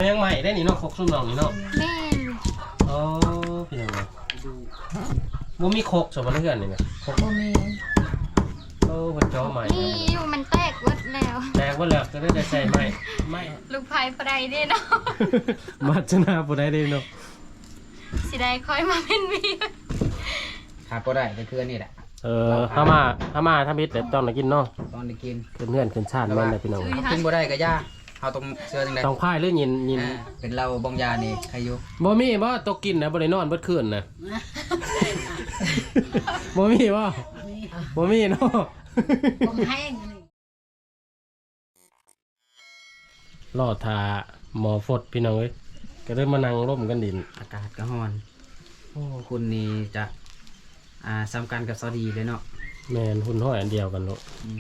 ยังใหม่ได้นี่เนาะครกซุ่มน้องนี่เนาะแม่อ๋อพี่น้องบ่มีครกสมบัติเพื่อนนี่นะครกบ่มีโอ้เพิ่นจ้อใหม่นี่อยู่มันแตกหมดแล้วแตกว่าแล้วก็ได้ใส่ใหม่ไม่ลูกไผ่ปลายได้เนาะมาชนะบ่ได้เด้เนาะสิได้ค่อยมาเป็นวีขาดก็ได้แต่คือนี่แหละถ้ามาทำอิฐแต่ต้องได้กินเนาะตอนได้กินขึ้นเฮือนขึ้นชาติแม่นได้พี่น้องกินบ่ได้ก็ย่าเอาตรงเสื้อจังได๋ต้องพายหรือยินเป็นเราบองยานี่ใครอยู่บ่มีบ่ตกกินนะบ่ได้นอนเบิดคืนนะบ่มีบ่บ่มีเนาะบ่แห้งนี่รอทาหมอฟดพี่น้องเอ้ยก็เลยมานั่งร่มกันดินอากาศก็ร้อนโอ้คุณนี่จะซ้ำกันกับซอดีเลยเนาะแม่นหุ่นห้อยอันเดียวกันเนาะ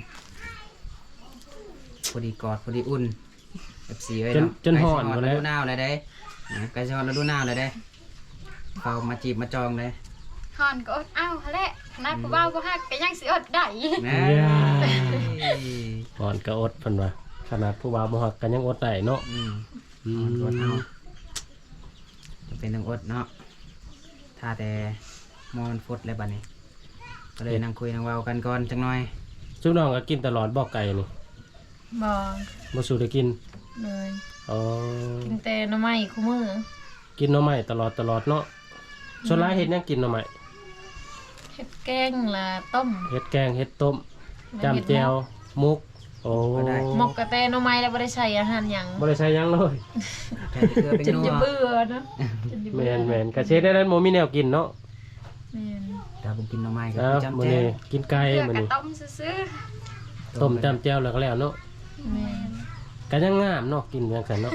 พอดีกอดพอดีอุ่น FC ไว้จนเนาะจนฮ้อนหมบ่ดแล้แล้ว วหนาวเลยได้ใกล้จะฮ้อนฤดูหนาวเลยได้เขามาจีบมาจองเลยฮอนก็อดเอ้าแหละขนาดผู้บ่าวบ่ฮักก็ยังสิอดได้แม่ก่อนก็อดเพิ่นว่าขนาดผู้บ่าวบ่ฮักก็ยังอดได้เนาะอดเอาจะเป็นต้องอดเนาะถ้าแต่มอมันฟดเลยบัดนี้ก็เลยนั่งคุยนั่งเว้ากันก่อนจังหน่อยซุปน้องก็กินตลอดบ่ไก่นี่บ่บ่สู้ได้กินเลยอ๋อกินแต่หน่อไม้คู่มื้อกินหน่อไม้ตลอดเนาะส่วนหลายเฮ็ดหยังกินหน่อไม้เฮ็ดแกงละต้มเฮ็ดแกงเฮ็ดต้มจำแจ่วมุกโอ้หมกกะแต่หน่อไม้แล้วบ่ได้ใส่อาหารหยังบ่ได้ใช้หยังเลยใช่เกลือเป็นจนนัวจะเบื่อนะจนจะแมเบื่อนแมนกระเช็ดได้แล้วโมมีแนวกินเนาะแม่นถ้าผมกินหน่อไม้ก็ครับจำมื้อแจ้นี้กินไก่เพื่อมื้อกระนี้ต้มซื่อต้มจำแจ่วแล้วก็แล้วเนาะแม่นก็ยังงามเนาะกินจังซั่นเนาะ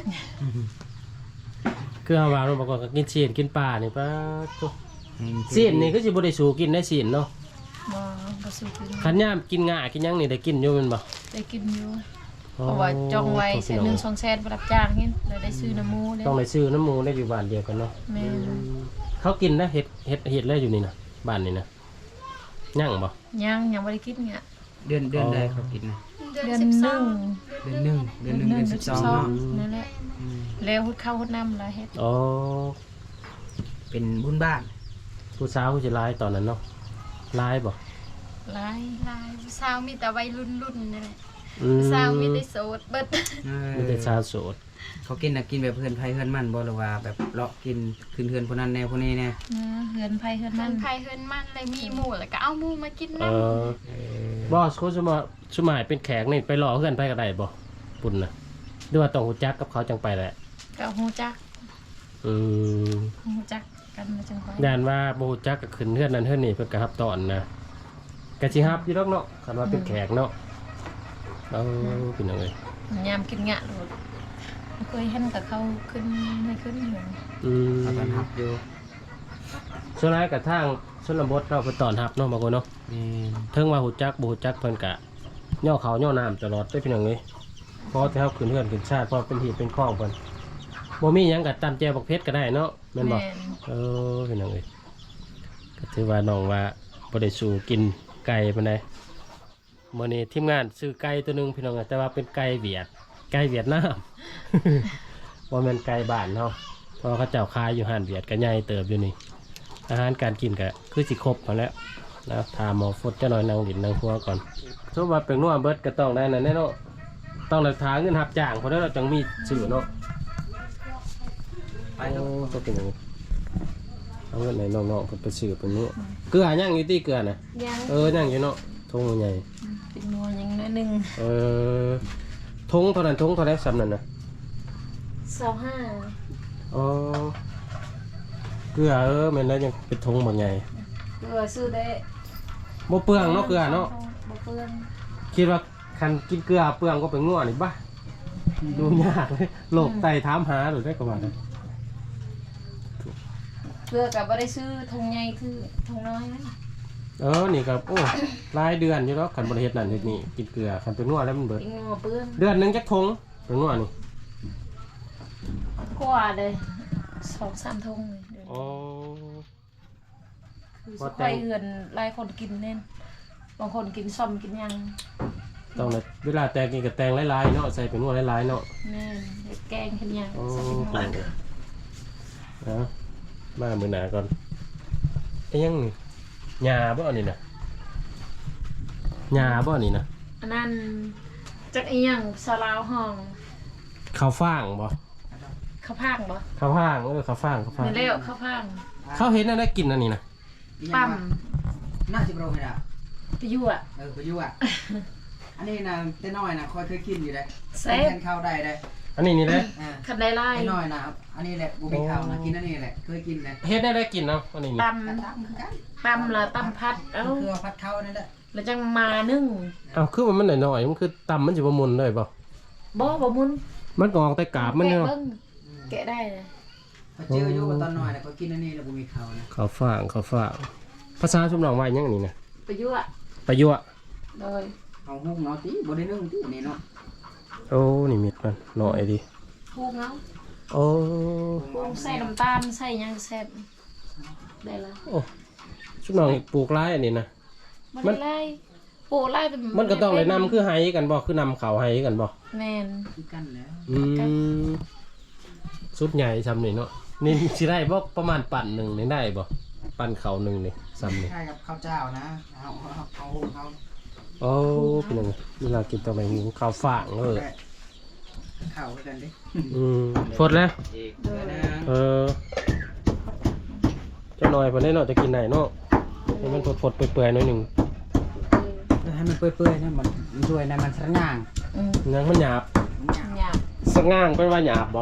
คือเฮาว่าเนาะบางคนก็กินซีนกินปลานี่ปะตุ๊ซีนนี่ก็สิบ่ได้สู้กินได้ซีนเนาะบ่สู้กินคันยามกินง่ากินหยังนี่ได้กินอยู่แม่นบ่ได้กินอยู่เพราะว่าจองไว้แสนหนึ่ง2แสนบ่รับจ้างเห็นแล้วได้ซื้อน้ำหมูเด้ต้องได้ซื้อน้ำหมูได้อยู่บ้านเดียวกันเนาะแม่นเขากินนะเห็ดแล้วอยู่นี่นะบ้านนี่นะย่างบ่ยังบ่ได้กินเนี่ยเดือนใดเขากินนะๆเดือนเดือน 12 หนึ่งเดือนหนึ่งเดือน12เนาะนั่นแหละแล้วหุดข้าวหุดน้ำละเฮ็ดอ๋อเป็นบุญบ้านผู้สาวผู้ชายตอนนั้นเนาะลายบ่หลายลายผู้สาวมีแต่วัยรุ่นนี่แหละอืมผู้สาวมีแต่โสดเบิดมีแต่ชาวโสดเขากินน่ะกินแบบเพื่อนไผเพื่อนมันบ่หรือว่าแบบเลาะกินขึ้นเพื่อนพวกนั้นแน่พวกนี้แน่เฮือนไผเฮือนเฮืมัอน นไผเฮือนมันเลยมีหมู่แล้วก็เอาหมู่มากินเอนำบอสเขาสมัยเป็นแขกนี่ไปรอเพื่อนไปก็ได้บ่ปุ่นนะหรือว่าต้องหูจักกับเขาจังไปแหละก็ฮู้จักอืมฮู้จักกันมาจังไผย่านว่าบ่ฮู้จักก็ขึ้นเฮือนนั้นเฮือนนี่เพิ่นก็รับตอนนะก็สิรับอยู่ดอกเนาะคันว่าเป็นแขกเนาะเอาเป็นจังได๋ยามกินงะโลดเคยเห็นกับเขาขึ้นไม่ขึ้นอยู่อืมเขาตอนหับอยู่ส่วนหลายก็ทางชนบทเนาะเพิ่นต้อนรับเนาะบางคนเนาะแม่นเทิงว่าหูจักบ่หูจักเพิ่นกะย่อเขาย่อน้ำตลอดได้พี่น้องเอ้ยเพราะที่เฮาขึ้นเฮือนขึ้นชาติเพราะเป็นหีบเป็นข้องเพิ่นบ่มีหยังก็ตำแจวบักเพชรก็ได้เนาะแม่นบ่พี่น้องเอ้ยก็ถือว่าน้องว่าบ่ได้สู่กินไก่ปานใดมื้อนี้ทีมงานซื้อไก่ตัวหนึงพี่น้องเอ้ยแต่ว่าเป็นไก่เวียดนาม บ่แม่นไก่บ้านเนาะเพราะว่าเขาเจ้าขายอยู่ห้านเวียดก็ใหญ่เติบอยู่นี่อาหารการกินก็คือสิครบพอแล้ว นะทาหมอฟดจะหน่อยนางดินนางหัวก่อนสมมติว่าเป็นนัวเบิดก็ต้องได้นั่นแน่เนาะต้องหลักฐานเงินหับจ้างเพราะนั้นเราจังมีสื่อเนาะไปโอ้เนาะก็เป็นอย่างนี้เอาเงินไหนน้องๆเพิ่นไปสื่อเป็นนี้เกลือย่างอยู่ที่เกลือนะยังย่างอยู่เนาะทงใหญ่เป็นนัวยังน้อยหนึงทงเท่านั้นทงเท่านั้นซ้ำนั่นนะ 25 อ๋อเกลือแม่นแล้วยังเป็นทงบางใหญ่ซื้อได้บ่เปลืองเนาะเกลือเนาะบ่เปลืองคิดว่าคันกินเกลือเปลืองก็เป็นง่วนี่บ้าดูยากเลยโรคไตถามหาหรือได้กว่านั้นเพื่อก็บ่ได้ซื้อถุงใหญ่คือถุงน้อยนะนี่ครับโอ้รายเดือนอยู่แล้วขันบริเฮ็ดนั่นเฮ็ดนี่กินเกลือขันเป็นง่วแล้วมันเบิดเป็นงัวเปลืองเดือนหนึงจักทงเป็นง่วนี่กว่าเลย2-3ถุงเลยเดี๋ยวอ๋อคือสิค่อยเฮือนหลายคนกินแน่นบางคนกินซ่อมกินหยังต้องเลยเวลาแตงกินกับแตงหลายๆเนาะใส่เป็นหัวหลายๆเนาะแม่นเฮ็ดแกงเฮ็ดหยังโอ้ใส่เป็นหเก่ม้องเอามามือหนาก่อนไอ้ยังนี่หญ้าบ่นี่นะหญ้าบ่นี่นะอันนั้นจักอีหยังสลาวห้องข้าวฟ่างบ่ข้าวพางบ่ข้าวฟ่างข้าวฟ่างนี่แล้วข้าวพางเขาเห็นอะไรกินอันนี้นะปั๊มน่าจะโปรให้ละไปอยู่อ่ะไปอยู่อ่ะ อันนี้นะแต่น้อยนะคอยเคยกินอยู่เลยแซ่บแทนข้าวได้เลยอันนี้นี่เลยคันได้ไล่แต่น้อยนะครับอันนี้แหละบุบิข้าวนะกินอันนี้แหละเคยกินเลยเฮ็ดได้กินเนาะอันนี้นี่ตกระทำคือกันำตำละตำพัดเอ้าคือพัดข้าวนั่นแหละแล้วจังมานึ่งเอาคือมันหน่อยๆมันคือตำมันสิบ่มุนเลยบ่บ่มุนมันก็ออกแต่กาบมันแกะเนาะเบิ่งแกะได้เลยพอเจออยู่ตอนน้อยนะก็กินอันนี้แหละบุบิข้าวนะข้าวฟ่างภาษาชุมน้องว่าหยังนี่นะไปอยู่อ่ะประยั่วโดยเอาหุ้มเนาะตีบ่ได้นึ่งตีนี่เนาะโอ้นี่มิดมันหน่อยดิพูงเอาโอ้พูงใส่น้ำตาลใส่หยังแซ่บได้ละโอ้ชุมน้องปลูกหลายอันนี้นะบ่ได้ไล่โปูไล่แต่มันก็ต้องเลยนำคือไห้กันบ่คือนำเขาไห้กันบ่แม่นคือกันแล้วอืมสุดใหญ่ซ้ำนี่เนาะนี่สิได้บ่ประมาณปั่นหนึ่งนี่ได้บ่ปั่นเขาหนึ่งนี่ซ้ำนี่ใช่กับข้าวเจ้านะเอาหุ้มเอาโอ้เป็นยังไงเวลากินต่อไปหูข้าวฟ่างเออข้าวกันดิฟดแล้วอีกนะเออเจ้าหน่อยพอได้เนาะจะกินไหนเนาะให้มันฟดๆเปื่อยๆหน่อยหนึ่งให้มันเปื่อยๆนะมันช่วยนะมันสะง่างยังมันหยาบหยาบสะง่างเป็นว่าหยาบบ่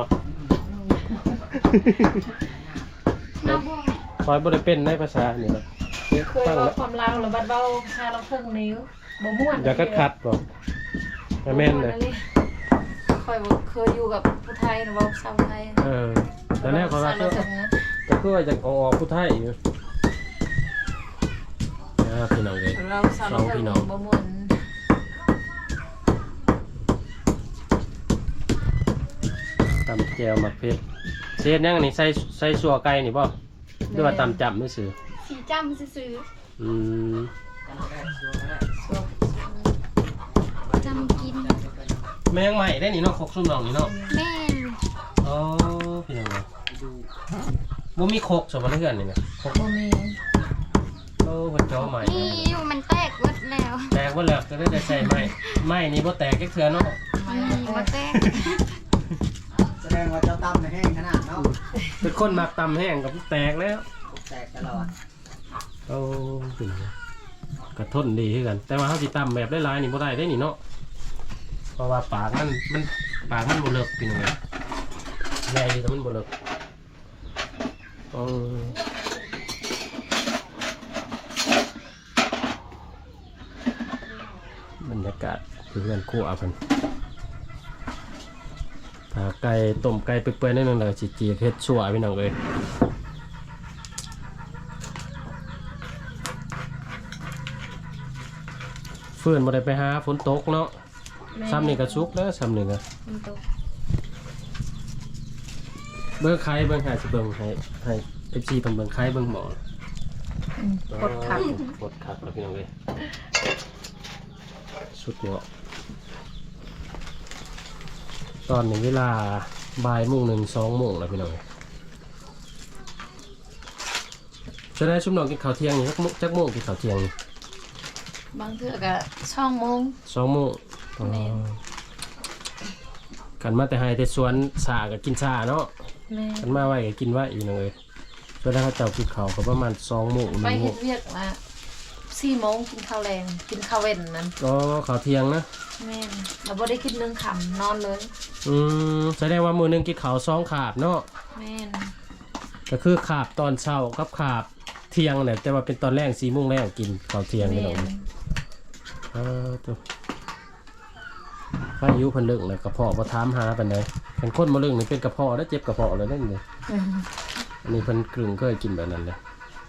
น้ำบ่คอยบ่ได้เป็นในภาษานี่นะเคยฟังเว้าแล้วความลาวแล้วบัดเว้าชาเราเพิ่งนิ้วบ่ม่วนอย่าคัดบ่แม่นเลยค่อยบ่เคยอยู่กับผู้ไทยนะเว้าชาวไทยเออแต่แรกเขาว่าเราเพิ่งนะก็คือว่าจะเอาออกผู้ไทยอยู่พี่น้องเลยเราสาวสองพี่น้องบ่ม่วนตำแจวหมักเพชรเศษยังอันนี้ใส่สัวไก่นี่บ่หรือว่าตำจับมือซื้อสีจำซื้ออืมๆจำกินแมงใหม่ได้นี่เนาะคกซุ่มน้องนี่เนาะแม่นอ๋อพี่น้องเลยบ่มีคกสมบัติเพื่อนนี่นะคกบ่มีโอ้เพิ่นจ้อใหม่นี่อยู่มันแตกหมดแล้วแตกบ่แล้วก็ได้ใส่ใหม่นี่บ่แตกจักเทื่อเนาะบ่แตกแสดงว่าเจ้าตั้มแห้งขนาดเนาะเป็นคนมักตำแห้งกับแตกแล้วแตกตลอดโอ้พี่น้องกระทนดีคือกัน แต่ว่าเฮาสิตำแบบหลายๆนี่บ่ได้ได้นี่เนาะเพราะว่าปากมันปากมันบ่เลิกพี่น้องเอ้ยใหญ่แต่มันบ่เลิกโอ้บรรยากาศคือเพื่อนคู่อาเพิ่นถ้าไก่ต้มไก่เปื่อยๆนิดนึงแล้วก็สิจีกเฮ็ดชั่วพี่น้องเอ้ยเฟื่อนบ่ได้ไปหาฝนตกเนาะซ้ำนี่ก็สุกแล้วซ้ำนี่ก็มันตกเบิ่งไข่เบิ่งให้สิเบิ่งให้ FC เพิ่นเบิ่งไข่เบิ่งหมอกดขับกดคักแล้วพี่น้องเอ้ยสุดยอดตอนนี้เวลาบ่ายโมง1 2โมงแล้วพี่น้องเอ้ยจะได้ชุมน้องกินข้าวเที่ยงนี่จักโมงกินข้าวเที่ยงนี่บางเทื่อก็2 โมง 2โมงอ๋อแม่นกันมาแต่ให้แต่สวนสาก็กินสาเนาะแม่กันมาไว้ก็กินไว้อีกหนึงเลยส่วนถ้าเขาเจ้ากินข้าวก็ประมาณ2โมงไป 1โมเฮ็งดเวียกมา4 โมงกินข้าวแรงกินข้าวเว้นนั้นก็ข้าวเที่ยงนะแม่นเราบ่ได้กิน1ค่ำนอนเลยแสดงว่ามื้อหนึงกินข้าว2คาบเนาะแม่นก็คือคาบตอนเช้ากับคาบเที่ยงเนี่ยแต่ว่าเป็นตอนแรก4โมงแรกกินข้าวเที่ยงนี่แม่เนาะนตัวอายุเพิ่นเลิกแล้วกระเพาะบ่ถามหาปานใดคันคนบ่เลิกนี่เป็นกระเพาะแล้วเจ็บกระเพาะเลยนั่นนี่อืมอันนี้เพิ่นกลึงเคยกินแบบนั้นเลย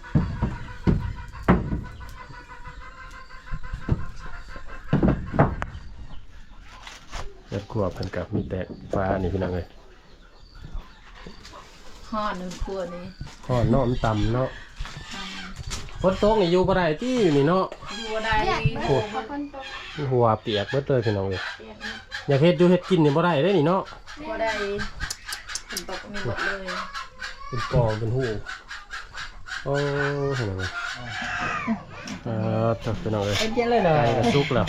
เลือดกลัวเพิ่นกับมีแต่ฟ้านี่พี่น้องเอ้ยฮอดนึงครัวนี่ข้อเนาะมันต่ำเนาะปฝนตกนี่อยู่บ่ได้ที่อยู่นี่เนาะอยู่บ่ได้เรียกเบิดพอคนตกหัวเปียกเบิดเลยพี่น้องเอ้ยเปียกอยากเฮ็ดอยู่เฮ็ดกินนี่บ่ได้เด้นี่เนาะบ่ได้ฝนตกมีหมดเลยเป็นกองเป็นหูโอ้เห็นไหมจับพี่น้องเอ้ยเอ็นเจเลยเลไก่ยกระซุกแล้ว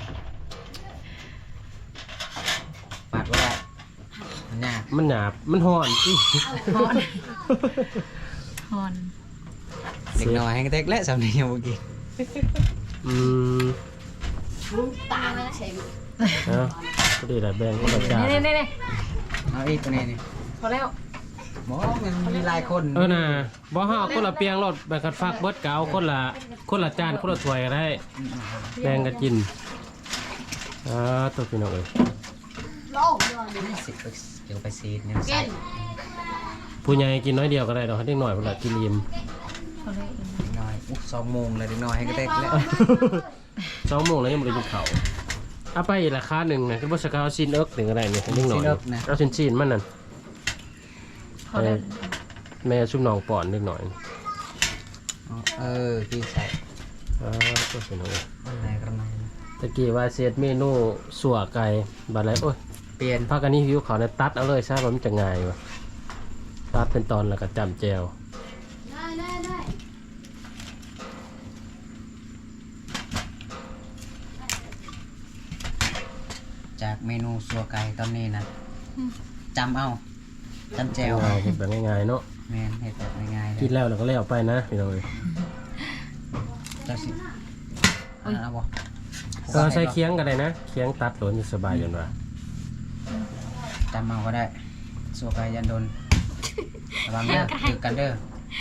ปาดว่าได้มันยากมันหยาบมันห่อนสิฮอนฮอนเด็กน้อยให้เด็กและสำเนียงเมื่อกี้อืมตาไม่ใช่นะก็ดีแหละแบ่งก็แบบจานนี่เอาอีกตัวนี้นี่พอแล้วหมอมันมีหลายคนน่ะบ่เฮาเอาคนละเปียงรถแบ่งกันฟักเบิดเกเอาคนละจานคนละถ้วยก็ได้แบ่งกันกินตัวพี่น้องเอ้ยโลกเดียวสิไปเดี๋ยวไปซีดเนี่ยใส่ผู้ใหญ่กินน้อยเดียวก็ได้ดอกให้เด็กน้อยเพิ่นละกินอิ่มพอแล้วเด็กน้อย2 โมงเลยเด็กน้อยให้เด็กและ 2 โมงแล้วยังบ่ได้กินข้าวเอาไปอีกราคาหนึงนะคือบ่สกาวซินเอิกถึงก็ได้นี่ให้เด็กน้อยเอาชิ้นๆมันนั่นพอแล้วแม่ชุบน้องป่อนนิดหน่อยพี่ใส่ก็เป็นเอาอะไรกระมังตะกี้ว่าเซตเมนูสัวไก่บาดไรโอ้ยเปลี่ยนพากันนี้หิวเขาเนี่ยตัดเอาเลยซะว่ามันจะง่ายวะตัดเป็นตอนแล้วก็จำแจวได้จากเมนูสัวไก่ตอนนี้นะจำเอาจำแจวง่ายๆเห็นแบบง่ายๆเนาะแมนเห็ดแบบง่ายๆเลกินยแล้วเราก็เลี้ยวไปนะพี่น้องเอ้ยเจ้าสิเอาบ่ใช้เคียงก็ได้นะเคียงตัดหลวนจะสบายจนว่าจำเอาก็ได้สัวไก่ยันโดนระวังเด้อถือกันเด้อ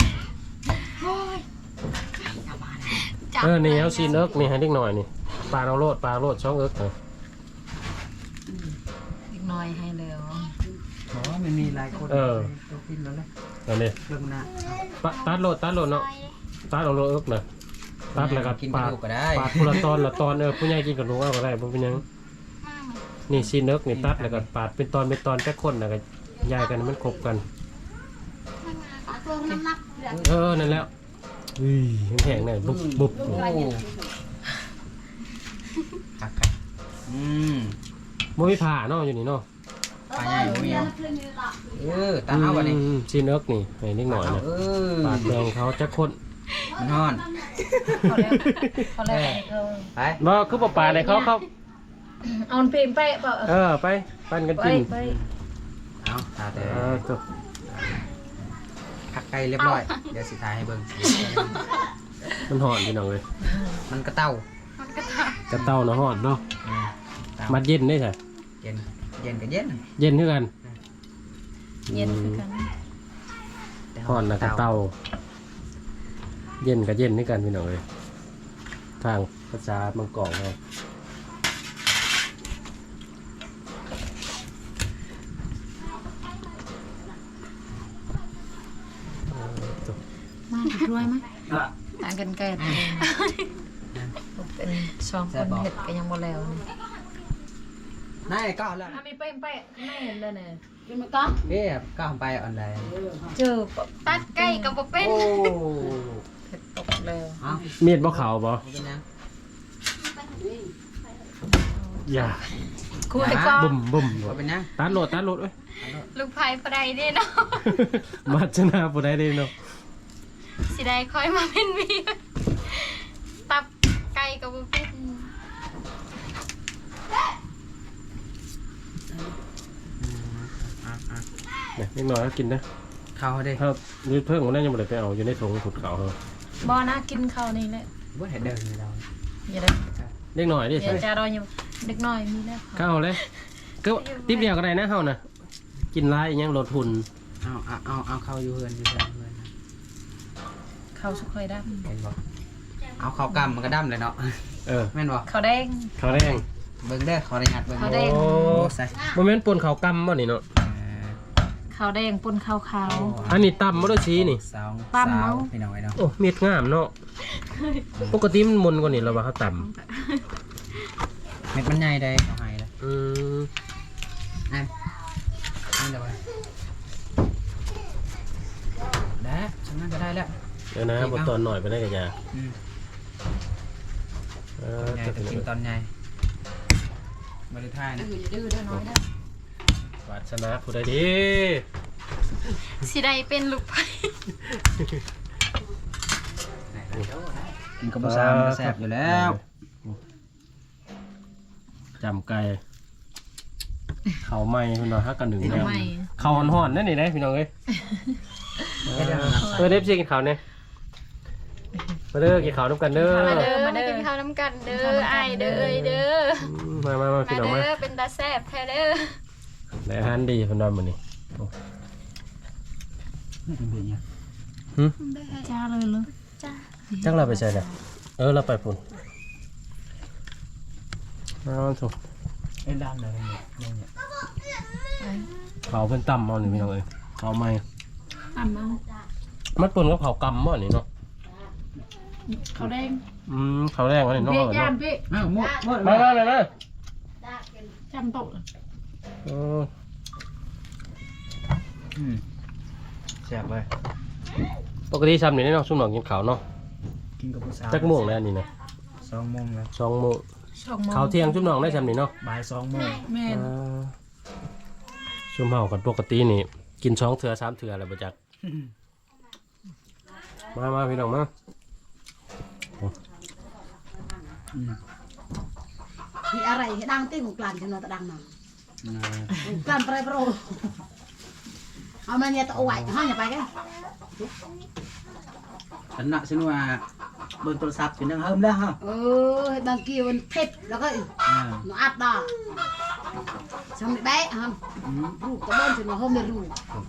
นี่เอาซีนเอิกนี่ให้เด็กหน่อยนี่ปลาเอาโลดช่องเอิกนะอีกหน่อยให้แล้วอ๋อมันมีหลายคนตัวกินแล้วเลยอันนี้เรื่องหน้าตัดโลดเนาะตัดเอาโลดเอิกนะตัดแล้วก็กินกปาระดดูกก็ได้ปาดคนละตอนผู้ใหญ่กินกับลูกเอาก็ได้บ่เป็นหยังนี่ซีนเอิกนี่ตัดแล้วก็ปาดเป็นตอนแค่คนแล้วก็ยายกันให้มันครบกันรวมน้ำหนักนั่นแล้วแข็งๆเนี่ยบุบโอ้คักบ่มีผ่าเนาะอยู่นี่เนาะปลาใหญ่บ่มีตาเอาบ่นี่ซีนเอิกนี่ให้นิดหน่อยนะปาดแดงเขาจะคนมันฮ้อนพอแล้วไปบ่คือบ่ปาดให้เขาเอาเพลงไปเปล่าไปปั้นกันไปกินไปเอาตาแต่จบคักไก่เรียบร้อยเดี๋ยวสิทายให้เบิ่งมันหอนพี่น้องเลยมันกระเต้ากระเต้าเนาะหอนเนาะเต้ามัดเย็นได้ใช่เย็นเย็นก็เย็นเย็นคือกันเย็นคือกันหอนนะกระเต้า เย็นกับเย็นด้วยกันพี่น้องเลยทางภาษามังกรเรามาถูกด้วยไหมต่างกันแก่เป็นช่องคนเห็ดก็ยังบ่แล้วนี่นายก้าวแล้วถ้ามีไปข้างในเห็นเลยเนี่ยกินมันก็เอ๊ะก้าวไปอันใดเจอตัดไก่กับบ่เป็นโอ้เห็ดตกแล้วเอาเมียดบ่ขาวบ่เป็นยังอย่าคุยก็บุ่มว่าเป็นยังตัดโหลดเว้ยลูกไผ่ปไดเด้เนาะมาชนะผู้ใดได้เนาะสิได้ค่อยมาเป็นเมียตับไก่กับบ่เป็นเนี่ยนิดหน่อยก็กินนะเข้าเด้ถ้ายืดเพิ่งมันน่าจะบ่ได้ไปเอาอยู่ในถุงขุดเขาเขาบ่นะกินข้าวนี่แหละว่าเห็นเดินเลยเราอย่าได้เล็กหน่อยดิอย่าใช่จะรออยู่เด็กน้อยมีแล้วเข้าเลยก็ติ๊บเดียวก็ได้นะเฮานะกินร้ายอีหยังลดทุนเอาเข้าอยู่เฮือนอยู่เฮือนข้าวสุกไข่ดเห็นบ่เอาเข้ากำมันก็ดำเลยเนาะ แม่นบ่ำข้าวแดงข้าวแดงเบิ่งเด้อขออนุญาตเบิ่งข้าวแดงโอ้ใส่บ่แม่นปนข้าวกำบ่นี่เนาะข้าวแดงปนข้าวขาวอันนี้ตำบ่ได้ชี้นี่สาวปั้มเอาพี่น้องไอ้เนาะโอ้เม็ดงามเนาะปกติมันมนกว่านี้แล้วว่าเขาตเม็ดมันใหญ่ได้เอาให้เลยำอันเดี๋ยวไปได้ฉันน่าจะได้แล้วเดี๋ยวนะบทตอนหน่อยไปได้กันยาอืมเอใหญ่อจะกินตอนใหญ่บริท่ายนะดื้อเด้อน้อยเด้อวาสนาผู้ใดดีสิได้เป็นลูกไผ่กินกับผู้สาวมันก็แซ่บอยู่แล้วจำไก่เขาไหม้พี่น้องฮักกันหนึ่งแล้วไม่เขาห่อนๆนั่นนี่นะพี่น้องเอ้ยเด็บซีกินเขาเนี่ยมาเด้อกินเขาน้ำกันเด้อมาเด้อมากินข้าวน้ำกันเด้อไอายเด้อเอ้ยเด้อมามาพี่น้องมาเด้อเป็นตาแซ่บแท้เด้อได้อาหารดีพี่น้องมื้อนี้จ้าเลยเลยจ้าจักเราไปใส่เนี่ยเราไปพุ่นเอาถูกไอ้ด้านไหนเนี่ยเขาเป็นต่ำเอาหนิพี่น้องเอ้ยเขาไหม้ตำเอามันปุ่นกับเขากำบ่นี่เนาะเขาแดงเขาแรงวะนี่เนาะพี่ย่านพี่อ้าวหมดมาเลยนะจำโต๊ะแซ่บเลยปกติซ้ำนี่เนาะซุ่มหนองกินข้าวเนาะกินกับผู้สาวจักโม่วงแล้วนี่นะ 2 โมงแล้ว 2 โมงช่องมองข้าวเที่ยงซุ่มหนองได้ซ้ำนี่เนาะบ่าย 2 โมงแม่นซุ่มเฮากันปกตินี่กิน2 เถื่อ3 เถื่อแล้วบ่จักมาพี่น้องมามีอะไรให้ดังติ้งกลั่นจนเราตะดังหน่อยกลั่นไปโปรเอามาเนี่ยตะเอาไว้ห้องอย่าไปกันฉันน่ะฉันว่าเบิ่งโทรศัพท์เป็นจังเฮิมแล้วฮะดังกี้มันเผ็ดแล้วก็หนูอัดดอกชมแบ๊ะฮะลูกตะบ้านจนมาห้องไม่รู้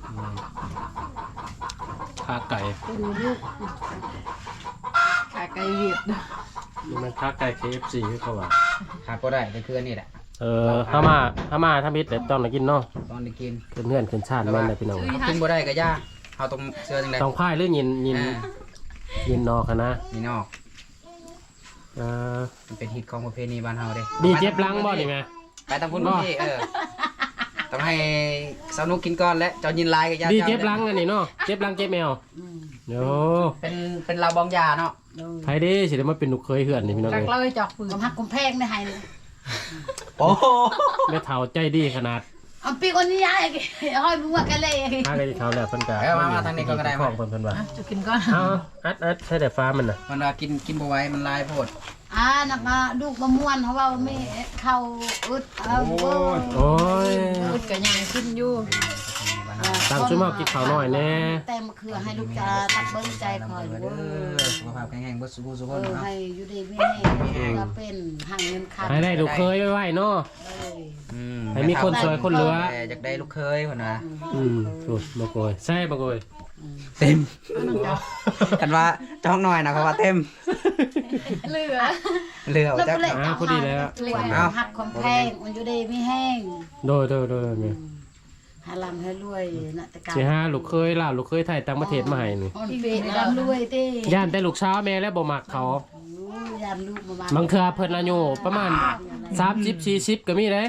ขาไก่เป็นลูกขาไก่เวียดนี่มันขาไก่ KFC คือเขาว่าขาดบ่ได้ก็คืออันนี้แหละถ้ามาถ้ามิดแต่ต้องได้กินเนาะตอนได้กินขึ้นเงื่อนขึ้นชาติแม่นได้พี่น้องกินบ่ได้ก็ย่าเอาตรงเสื้อจังได๋ต้องพายหรือยินนอกนะนี่นอกเออมันเป็นฮิตของประเพณีบ้านเฮาเด้ดีเจ็บหลังบ่นี่แม่ไปตามคุณพี่ต้องให้สาวนุกกินก่อนและเจ้ายินลายกับย่าดีเจ็บหลังอันนี้เนาะเจ็บหลังเจ็บแมวโยเป็นเราบองยาเนาะไผเด้สิได้มาเป็นลูกเคยเฮือนนี่พี่น้องจักเอ้ยเลยจอกปืนกำหักกำแพงได้ให้เลยโอ้โหแม่เฒ่าใจดีขนาดเอาปีคนนี้ย้ายห้อยมึงว่ากันเลยถ้าได้เฒ่าแล้วเพิ่นก็มาทางนี้ก็ได้ของเพิ่นว่าจะกินก่อนเอาอัดใช้แต่ฟ้ามันน่ะมันว่ากินบ่ไหว้มันลายโพดนักมาลูกมะม่วนเพราะว่าไม่เข้าอึดโอ้ยอุดกระยังขึ้นอยู่ตั้งซุ่มเฮากินข้าวน้อยแน่แต่มะเขือให้ลูกจะตัดเบิ้งใจคอยเด้อสุขภาพแข็งแรงบ่สุขสุขคนเนาะให้อยู่ดีไม่แน่ก็เป็นห่างเงินขาดให้ได้ลูกเคยไว้ๆเนาะ ให้มีคนสวยคนเหลืออยากได้ลูกเคยเพิ่นว่าถูกบ่โกยใช่บ่โกยเต็มกันว่าจ้องหน่อยนะเพราะว่าเต็มเหลือเหลือแล้วจักก็เลยพอดีแล้วหักความแพงมันอยู่ดีไม่แห้งโดยแม่หาลำให้รวยนะแต่การสิหาลูกเคยล่ะลูกเคยไทยต่างประเทศมาให้นี่อ่อนเปรี้ยวรวยตีย่านแต่ลูกสาวแม่แล้วบ่มักเขายานลูกมาบางเทื่อเพิ่นอายุประมาณ30 40ก็มีเด้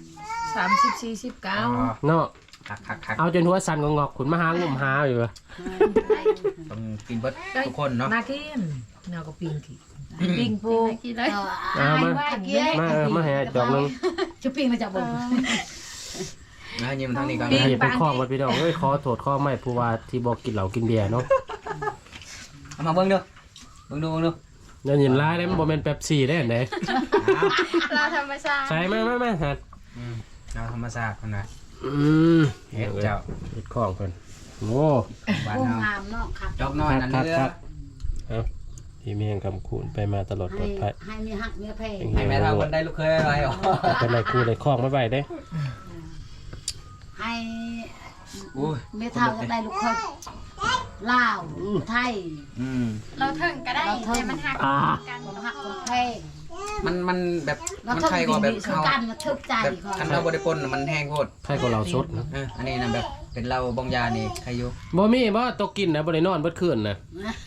30-49 เนาะคักเอาจนหัวสั่นงอกๆขุนมาหางุ่มหาอยู่อะต้องกินเบิดทุกคนเนาะนากินเนาก็ปิ้งกินปิ้งปูกินเลยเอามาให้จอกนึงจะปิ้งมาจากบนนะยิ้มทางนี้ก่อนให้เป็นข้องมาพี่น้องเอ้ยขอโทษข้อไม่ผู้ว่าที่บ่กินเหล้ากินเบียร์เนาะเอามาเบิ่งดูเบิ่งดูอย่ายินร้ายได้มันบ่แม่นเป๊ปซี่ได้อันใดเราธรรมชาติใส่มาฮัดเราธรรมศาสตร์คนน่ะเฮ็ดเจ้าเฮ็ดข้องเพิ่นโอ้บ้านกุ้งเฮางามเนาะครับจอกน้อยนั่นเรือเอาพี่เมียงคำคูณไปมาตลอดปลอดภัยให้มีหักเนื้อแพงให้แม่เฒ่าคนได้ลูกเคยอะไรหรอเป็นไรครูเลยคล้องไม่ไหวเด้ให้อุ้ยเมทัลก็ได้ลูกคนลาวไทยเราถึงก็ได้แต่มันหักกันความหักความแพงมันแบบเรามันต้องใครก็แบบสกันมาทึบใจแบบก่อนคันเราบ่ได้ปนมันแห้งโพดใครก็เราสดนะอันนี้นะแบบเป็นเราบองยานี่ใครอยู่บ่มีบ่ตกกินนะบ่ได้นอนเบิดคืนนะ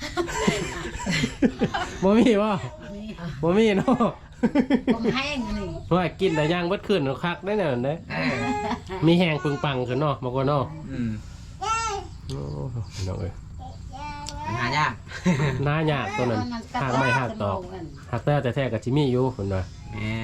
บ่มีบ่มีเนาะผมแห้งนี่ว่ากินแต่ย่างเบิดคืนคักได้แน่นอนเด้มีแห้งปึงปังขึ้นเนาะบ่ก็เนาะโอ้น้องเอ้ยมันหายากหน้ายากตัวนั้นหากไม่หากตอกหากแต่แท้ๆกับจิมี่อยู่คนว่าแม่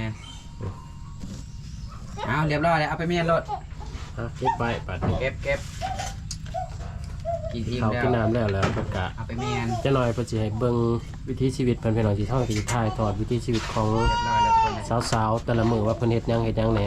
เอาเรียบร้อยแล้วเอาไปเมียนรถเก็บไว้ปัดนี้เก็บกินอิ่มเขาแล้วกินน้ำแล้วเพิ่นกะเอาไปเมียนจะหน่อยเพิ่นสิให้เบิ่งวิถีชีวิตเพิ่นพี่น้องที่ท่องที่ถ่ายทอดวิถีชีวิตของเรียบร้อยแล้วทุกคนนะสาวๆแต่ละมื้อว่าเพิ่นเฮ็ดหยังแหน่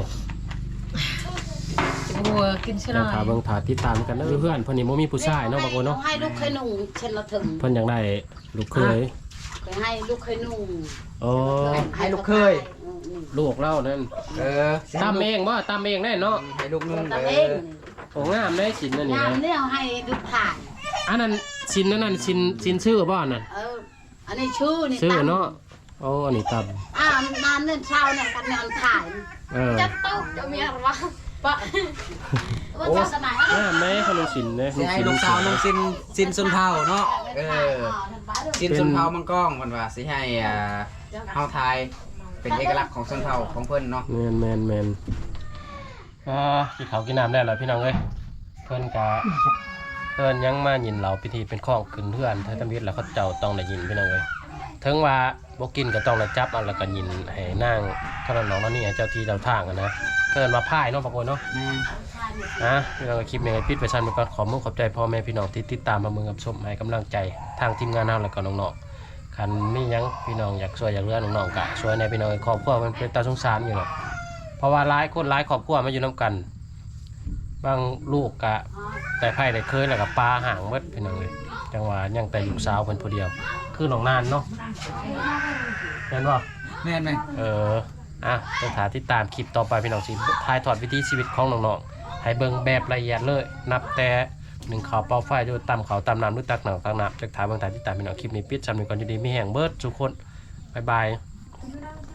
บัวกินใช่ไหมแล้วถ้าเบิ่งถ้าติดตามกันเด้อเพื่อนเพิ่นนี่บ่มีผู้ชายเนาะบางคนเนาะให้ลูกเคยนุ่งเช่นละถึงเพิ่นอยากได้ลูกเคยเคยให้ลูกเคยนุ่งโอ้ให้ลูกเคยลูกเล่านั่น ตำเองบ่ตำเองได้เนาะให้ลูกนุ่งตาเองโอ้งามได้สินนั่นนี่งานนะเนี่ยให้ลูกถ่ายอันนั้นสินนั่นสินชื่อบ่นั่นอันนี้ชื่อนี่ชื่อเนาะโอ้อันนี้ตนานเนื่นเช้าเนี่ยกันเนี่ยถ่ายำจะตุ๊กจะมีอะไรวะปะว่าจะสมัยงามไหมขนมสินเด้สิให้ลูกสาวน้องซินสุนเผาเนาะซินสุนเผามังกรมันว่าสิให้เฮาทายเป็นเอกลักษณ์ของชนเผ่าของเพิ่นเนาะแมนกินข้าวกินน้ำได้แล้วพี่น้องเอ้ยเพิ่นกะเพิ่นยังมายินเหล่าพิธีเป็นข้องขึ้นเพื่อนเธอทำพิธีแล้วเขาเจ้าต้องได้ยินพี่น้องเอ้ยถึงว่าบ่กินก็ต้องได้จับเอาแล้วก็ยินให้นางขนมน้องนั่นนี่เจ้าที่เจ้าทางกันนะเกินมาพ่ายเนาะบางคนเนาะแม่พี่น้องคลิปนี้ปิดไปชั้นไปก่อนขอมุ่งขอบใจพ่อแม่พี่น้องที่ติดตามมาเมืองกับชมให้กำลังใจทางทีมงานเราแล้วก็น้องๆคันมีหยังพี่น้องอยากช่วยอยากเลือน้องๆกะช่วยในพี่น้องครอบครัวมันเป็นตาสงสารอยู่เนาะเพราะว่าหลายคนหลายครอบครัวมาอยู่น้ำกันบางลูกกะแต่ไพ่ได้เคยแล้วก็ปลาห่างเบิดพี่น้องเลยจังหวะยังแต่ลูกสาวเพิ่นผู้เดียวคือน้องนานเนาะเห็นบ่แม่นไหมต้องหาติดตามคลิปต่อไปพี่น้องสิถ่ายทอดวิถีชีวิตของน้องๆให้เบิ่งแบบละเอียดเลยนับแต่หนึ่งเขาเป่าไฟด้วยตำเขาตำน้ำหรือตักหนังตักน้ำจากถ่ายเบิ่งถ่ายติดตามพี่น้องคลิปนี้ปิดจำหนึ่งก่อนอยู่ดีมีแห่งเบิร์ดทุกคนบ๊ายบาย